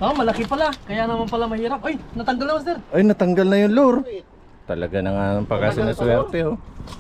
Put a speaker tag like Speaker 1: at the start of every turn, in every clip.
Speaker 1: Oh, malaki pala. Kaya naman pala mahirap. Ay, natanggal na, master.
Speaker 2: Ay, natanggal na yung lure. Talaga na nga ng pagkasinaswerte, oh.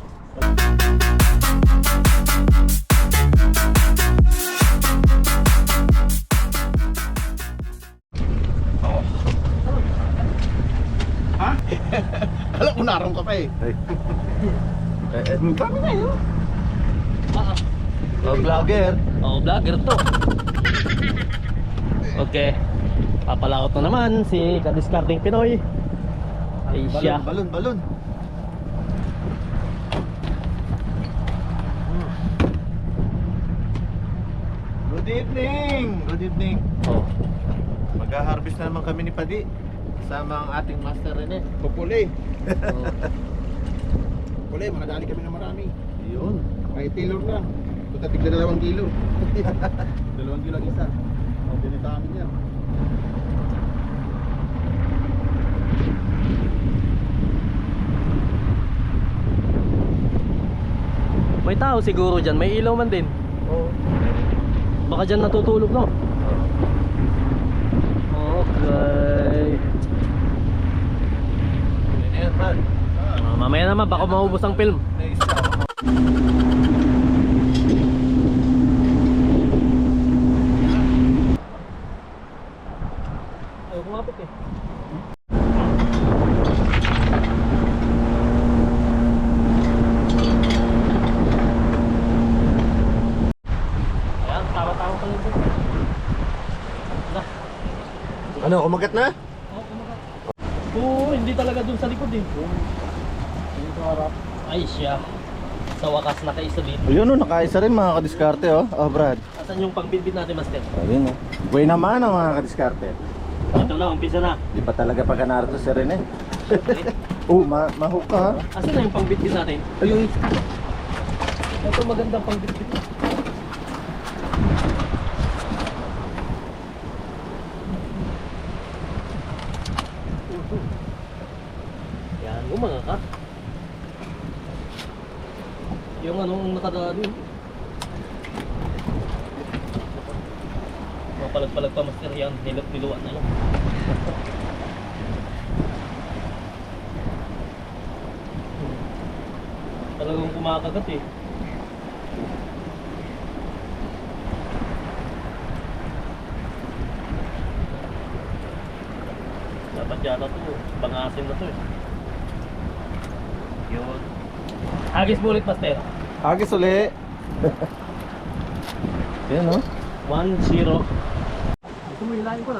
Speaker 3: Ha? Alam ko narong ka pa eh.
Speaker 2: Ay.
Speaker 3: Dami na yun.
Speaker 2: Oh, vlogger.
Speaker 1: Oh, vlogger to. Okay. Papalakot na naman si Kadiscarding Pinoy. Ay siya.
Speaker 3: Balon. Good evening. Good evening.
Speaker 1: Oh.
Speaker 2: Mag-harvest na naman kami ni Padi. Kasama ang ating master Rene.
Speaker 3: Pupuli.
Speaker 1: Oh.
Speaker 3: Pupuli, makadali kami na marami.
Speaker 2: Yun.
Speaker 3: Kahit tailor lang. Punta tigla 2 kilo. 2 kilo ang isa. Ang binita kami niya.
Speaker 1: May tao siguro dyan. May ilaw man din.
Speaker 2: Oo.
Speaker 1: Baka dyan natutulog, no? Okay.
Speaker 2: Ayan, man.
Speaker 1: Mamaya naman, baka maubos ang film. Ayaw kumapit eh. Ayan, tawa-tawa ka lang dito.
Speaker 2: Ano, kumagat na?
Speaker 1: Oh, kumagat. Oo, hindi talaga dun sa likod eh. Ay siya. Sa wakas nakaisa dito.
Speaker 2: Ayun, oh, nakaisa rin mga kadiskarte, oh. Oh, Brad.
Speaker 1: Asan yung pangbitbit natin, master?
Speaker 2: Ayun, oh. Buhay naman ang mga kadiskarte.
Speaker 1: Ito na, umpisa na.
Speaker 2: Di ba talaga pag narito si Rene? Oh, mahook ka, ha?
Speaker 1: Asan na yung pangbitbit natin?
Speaker 2: Ayun.
Speaker 1: Ito magandang pangbitbit. Yan, mga ka. Yung anong nakadaan yun. Mapalag-palag pa, master, yan. Niluan na yun. Talagang kumakagat eh. Dapat yata to, bangasin na to eh. Yun. Agis bulit, master.
Speaker 2: Agis uli. Yan, oh.
Speaker 1: 1-0. Ito mo, hilahin ko na.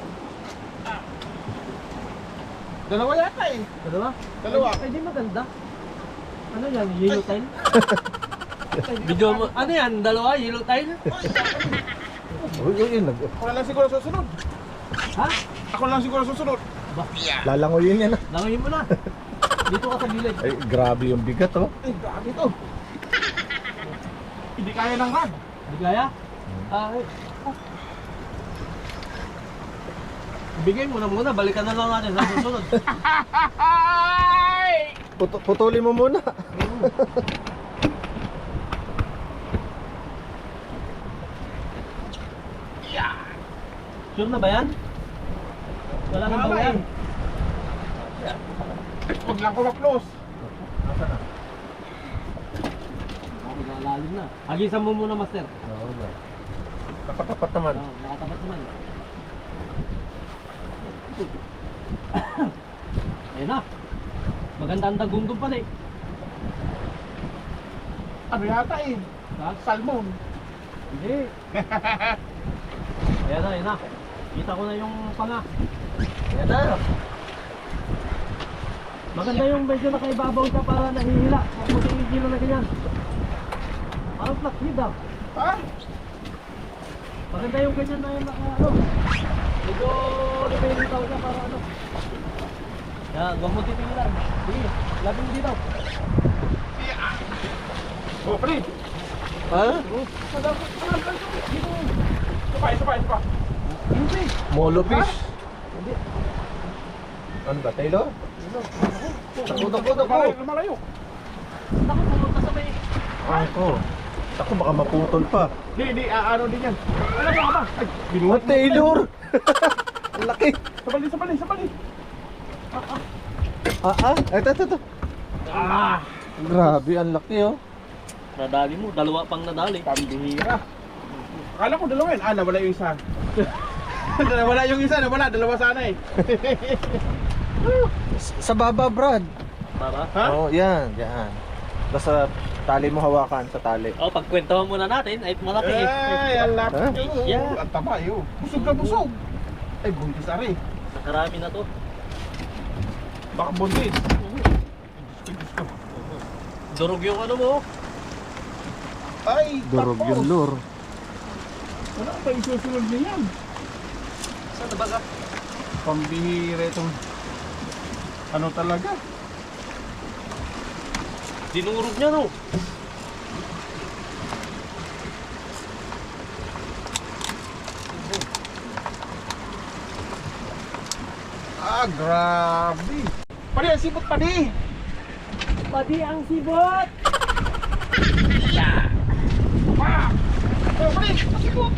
Speaker 3: Dalawa yata eh.
Speaker 1: Dalawa?
Speaker 3: Dalawa.
Speaker 1: Ay, di maganda. Ano yan? Yellow tile? Video mo. Ano yan? Dalawa? Yellow tile?
Speaker 2: Uy, yun.
Speaker 3: Ako na lang siguro susunod.
Speaker 1: Ha?
Speaker 3: Ako na lang siguro susunod.
Speaker 1: Ba?
Speaker 2: Lalangoyin yan, ah.
Speaker 1: Langoyin mo na. Dito ka sa gilid.
Speaker 2: Ay, grabe yung bigat, oh.
Speaker 3: Ay, grabe to. Hindi kaya ng rag.
Speaker 1: Hindi kaya? Ay. Bigay mo na muna. Balikan na lang natin sa susunod.
Speaker 2: Putulin mo muna.
Speaker 1: Sure na ba yan? Wala nang
Speaker 3: Wala
Speaker 1: bawian.
Speaker 3: Huwag lang ko ma-close.
Speaker 1: Magalalim na. Agisan mo muna, master.
Speaker 2: Oo, ba. Tapat-tapat naman.
Speaker 1: Nakatapat naman. Ayun na. Maganda ang dagundong pala eh.
Speaker 3: Ano yata eh?
Speaker 1: Ha?
Speaker 3: Salmon.
Speaker 1: Hindi. Ayan na. Kita ko na yung panga. Ayan na. Maganda yung medyo nakaibabaw ka para nahihila. Huwag mo tingin na ganyan. Parang flathead ah.
Speaker 3: Ha?
Speaker 1: Maganda yung ganyan na yung ano. Medyo lumilitaw ka para ano. Yan, huwag mo titingilan. Sige, labi mo dito.
Speaker 3: Oh, pre.
Speaker 2: Ha?
Speaker 3: Isa pa.
Speaker 1: Hindi.
Speaker 2: Molo fish.
Speaker 1: Hindi.
Speaker 2: Ano ba, Taylor?
Speaker 3: Malayo, malayo.
Speaker 1: Naku, pumunta sa may...
Speaker 2: Ako. Ako baka maputol pa.
Speaker 3: Di, ano din yan. Ano ba? Ay,
Speaker 2: Taylor!
Speaker 3: Sabali.
Speaker 2: Ito. Grabe, ang laki oh.
Speaker 1: Nadali mo, dalawa pang nadali.
Speaker 3: Pambihira. Akala ko dalawa yun. Nawala yung isa. Nawala yung isa, dalawa sana eh.
Speaker 2: Sa baba, Brad.
Speaker 1: Para?
Speaker 3: Ha?
Speaker 2: Oh, yan. Basta tali mo hawakan sa tali.
Speaker 1: Oh, pagkwentuhan muna natin, ay malaki eh.
Speaker 3: Ay, ang lapit
Speaker 2: Ha?
Speaker 3: yun.
Speaker 1: Yeah.
Speaker 3: Ang taba yun. Busog na busog. Ay, buntis ari.
Speaker 1: Nakarami na to.
Speaker 3: Baka buntis.
Speaker 1: Durog yung ano mo.
Speaker 3: Ay,
Speaker 2: Durog
Speaker 3: tapos.
Speaker 2: yung lure.
Speaker 3: Wala pa isusunod na yan.
Speaker 1: Saan na ba ka?
Speaker 3: Pambihira itong ano talaga.
Speaker 1: Dinurog niya no.
Speaker 3: Grabe. Padi, ang sipot padi.
Speaker 1: Pati ang sibot!
Speaker 3: Ah! Oh, padi, ang sipot.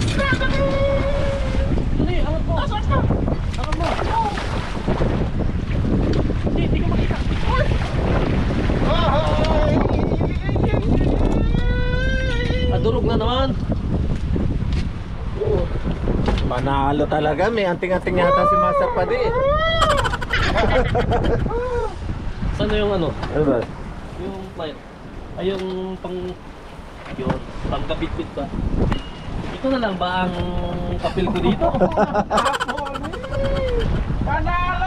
Speaker 1: Dali, angat mo! Angat mo! Hindi ka makita! Durog na naman!
Speaker 2: Manalo talaga. May anting-anting yata si Master Padi.
Speaker 1: Saan na yung ano?
Speaker 2: Ano ba?
Speaker 1: Yung flight? Ay yung pang... Yun, pangkabitbit ba? Ito na lang ba ang papel ko dito?
Speaker 3: Panalo!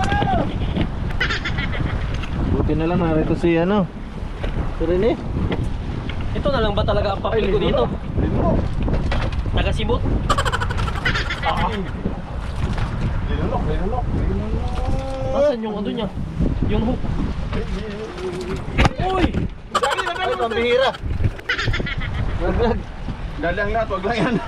Speaker 2: Buti na lang narito si ano. Si Rene.
Speaker 1: Ito na lang ba talaga ang papel ko dito? Taga-sibot?
Speaker 3: Linulok.
Speaker 1: Nasaan yung ano niya? Yung hook? Uy!
Speaker 2: Ay, pambihira. Brad.
Speaker 3: Dalang lahat, wag lang yan.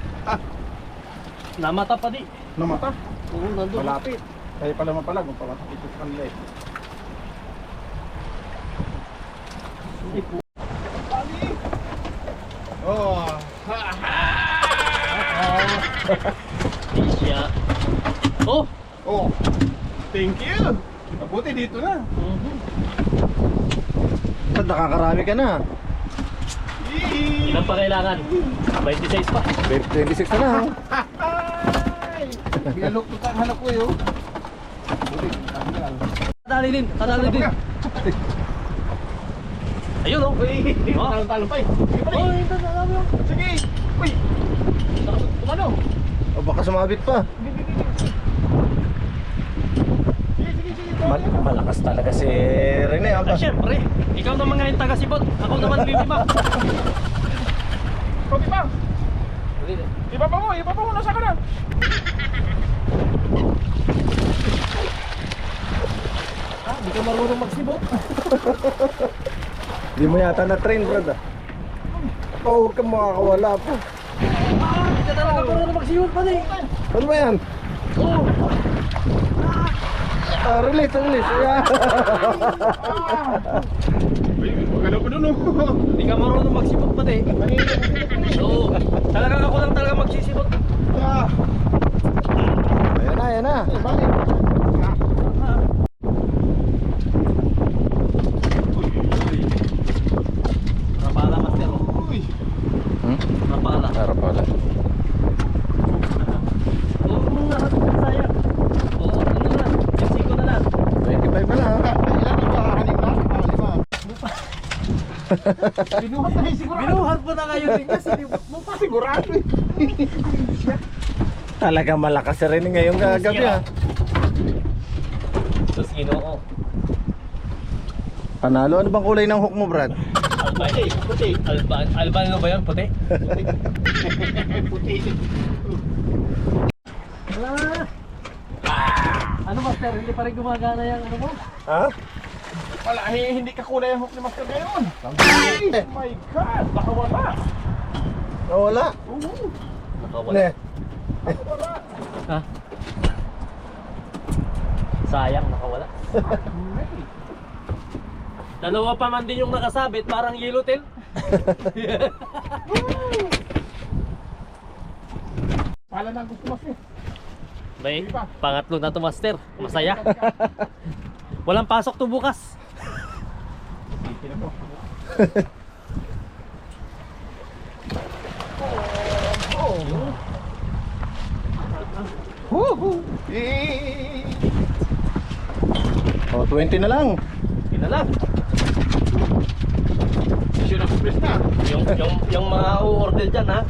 Speaker 1: Namata pa di.
Speaker 3: Namata.
Speaker 1: Oo, nandun.
Speaker 3: Malapit. Kaya pala mapalag, kung pamatakit sa kanila eh.
Speaker 1: Hindi po.
Speaker 3: Oh.
Speaker 1: Siya. Oh!
Speaker 3: Oh. Thank you. Mabuti dito na.
Speaker 2: Brad, nakakarami ka na.
Speaker 1: Ilan pa kailangan? 26 pa.
Speaker 2: 26 na lang.
Speaker 3: Ay! Bialok to ang hanap ko yun. Buti, tanggal.
Speaker 1: Kadali din. Ayun oh. Oh.
Speaker 3: Talo pa eh.
Speaker 1: Oh, ito na lang yung.
Speaker 3: Sige. Uy.
Speaker 1: Ano?
Speaker 2: O baka sumabit pa. Malakas talaga si Rene.
Speaker 1: Ah, syempre. Ikaw naman ngayon taga-sibot. Ako naman bibima.
Speaker 3: Kopi pa. Iba pa mo. Nasa ka na.
Speaker 1: Hindi ka marunong magsibot.
Speaker 2: Hindi mo yata na-train, Brad. Huwag kang makakawala po.
Speaker 1: Hindi ka talaga marunong magsibot pa din.
Speaker 2: Ano ba yan?
Speaker 1: Oh.
Speaker 2: Release. Yeah.
Speaker 3: Uy, magalaw ko dun oh.
Speaker 1: Hindi ka marunong magsibot pa din. Oo. Talagang ako lang talaga magsisibot.
Speaker 2: Ayan na.
Speaker 3: Balik.
Speaker 1: Rapala, master. Oh.
Speaker 3: Uy.
Speaker 1: Rapala.
Speaker 2: Harap pala.
Speaker 1: Oo, muna. Sayang. Oo, ano na. Yung 5 na lang.
Speaker 2: 25 pa lang.
Speaker 3: Ilan na ba? Anim na? 5. Binuhat na yung sigurado.
Speaker 1: Binuhat mo na ngayon din kasi
Speaker 3: Mo pa sigurado eh.
Speaker 2: Talaga malakas si Rene ngayong gabi ha.
Speaker 1: Sus, Ginoo.
Speaker 2: Panalo. Ano bang kulay ng hook mo, Brad?
Speaker 3: Puti.
Speaker 1: Albano ba yun? Puti?
Speaker 3: Puti.
Speaker 1: Ano master? Hindi pa rin gumagana yung ano mo?
Speaker 2: Ha?
Speaker 3: Wala, hindi ka kulay ang hook ni Master ngayon. Oh my God, baka wala.
Speaker 2: Wala.
Speaker 3: Oo.
Speaker 1: Nakawala.
Speaker 2: Ne.
Speaker 3: Wala.
Speaker 1: Ha? Sayang, nakawala. Dalawa pa man din yung nakasabit, parang yellow tail.
Speaker 3: Pala na gusto mas eh.
Speaker 1: Bay, pangatlo na to, master. Masaya. Walang pasok to bukas.
Speaker 3: Woohoo! Oh, 20 na lang.
Speaker 1: Yun na lang.
Speaker 3: Mission accomplished na.
Speaker 1: Yung mga o-order dyan, ha?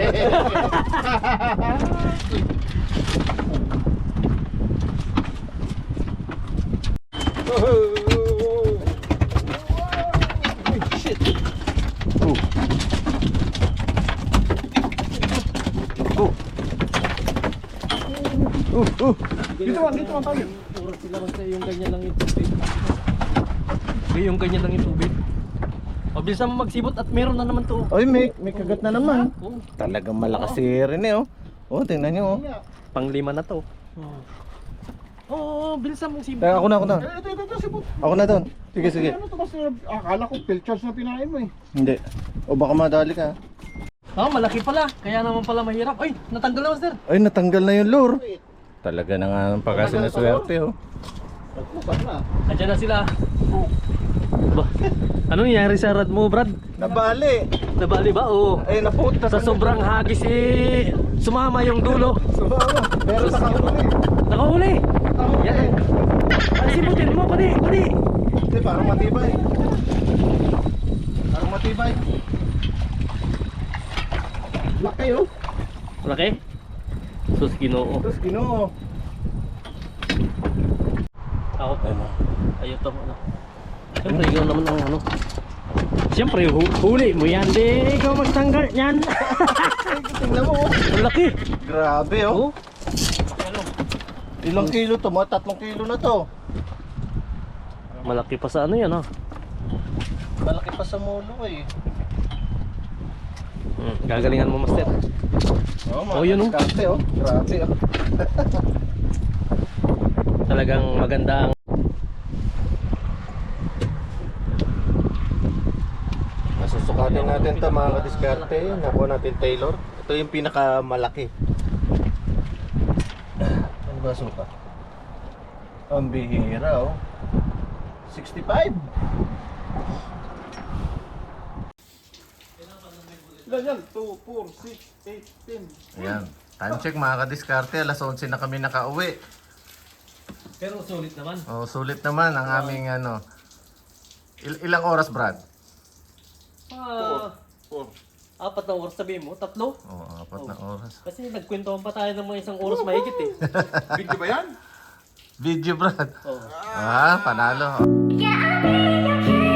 Speaker 3: Shit. Oh. Dito man tayo.
Speaker 1: Oras sila basta yung ganyan lang yung tubig. Yung ganyan lang yung tubig. Mabilis mo magsibot at meron na naman to.
Speaker 3: Oy, may kagat na naman.
Speaker 1: Oh,
Speaker 3: Talagang malakas si Rene, oh. Oh, tingnan niyo, oh.
Speaker 1: pang-5 na to. Oo, bilisan mong sibot.
Speaker 3: Teka, ako na.
Speaker 4: Ito, sipot.
Speaker 3: Ako na doon. Sige, sige.
Speaker 4: Ano to kasi akala ko pilchards na pinain mo eh.
Speaker 3: Hindi. O baka madali ka.
Speaker 1: Malaki pala. Kaya naman pala mahirap. Ay, natanggal na, master.
Speaker 3: Ay, natanggal na yung lure. Talaga na nga ng pagkasinaswerte, oh.
Speaker 4: Nagpusan na.
Speaker 1: Andiyan na sila. Ba, ano nangyari sa rad mo, Brad?
Speaker 3: Nabali.
Speaker 1: Nabali ba? Oo.
Speaker 3: Ay, napunta.
Speaker 1: Sa sobrang hagis sumama yung dulo.
Speaker 3: Sumama. Pero nakahuli.
Speaker 1: Nakahuli. Yan. Ay, sibutin mo, pati.
Speaker 3: Hindi, parang matibay. Parang matibay. Laki, oh.
Speaker 1: Malaki? Sus, Ginoo.
Speaker 3: Tapos Ginoo.
Speaker 1: Ako. Ayun to. Siyempre, ikaw naman ang ano. Siyempre, huli mo yan. Di ikaw magtanggal yan.
Speaker 3: Tingnan mo, oh.
Speaker 1: Ang laki.
Speaker 3: Grabe, oh.
Speaker 1: Oh.
Speaker 3: Ilang kilo to? Mga 3 kilo na to.
Speaker 1: Malaki pa sa ano yan, ha?
Speaker 3: Malaki pa sa mulo, eh.
Speaker 1: Gagalingan mo, master.
Speaker 3: Oh,
Speaker 1: Oh, yun, oh.
Speaker 3: diskarte, oh. Grabe, oh.
Speaker 1: Talagang maganda ang
Speaker 3: Masusukatin natin ito, mga kadiskarte. Nakuha natin Taylor. Ito yung pinakamalaki. Ano ba suka? Ang bihira, oh. 65.
Speaker 4: Ilan yan? 2, 4, 6, 8, 10.
Speaker 3: Ayan. Time check, mga kadiskarte. Alas 11 na kami nakauwi.
Speaker 1: pero sulit naman.
Speaker 3: Oh, sulit naman ang aming ano. Ilang oras, Brad?
Speaker 4: 4.
Speaker 1: 4 na oras sabihin mo, 3.
Speaker 3: Oh, 4 na oras.
Speaker 1: Kasi nagkwentuhan pa tayo ng mga 1 oras mahigit eh.
Speaker 4: Video ba yan?
Speaker 3: Video, Brad.
Speaker 1: Oh.
Speaker 3: Ah, panalo.
Speaker 5: Yeah, I need you.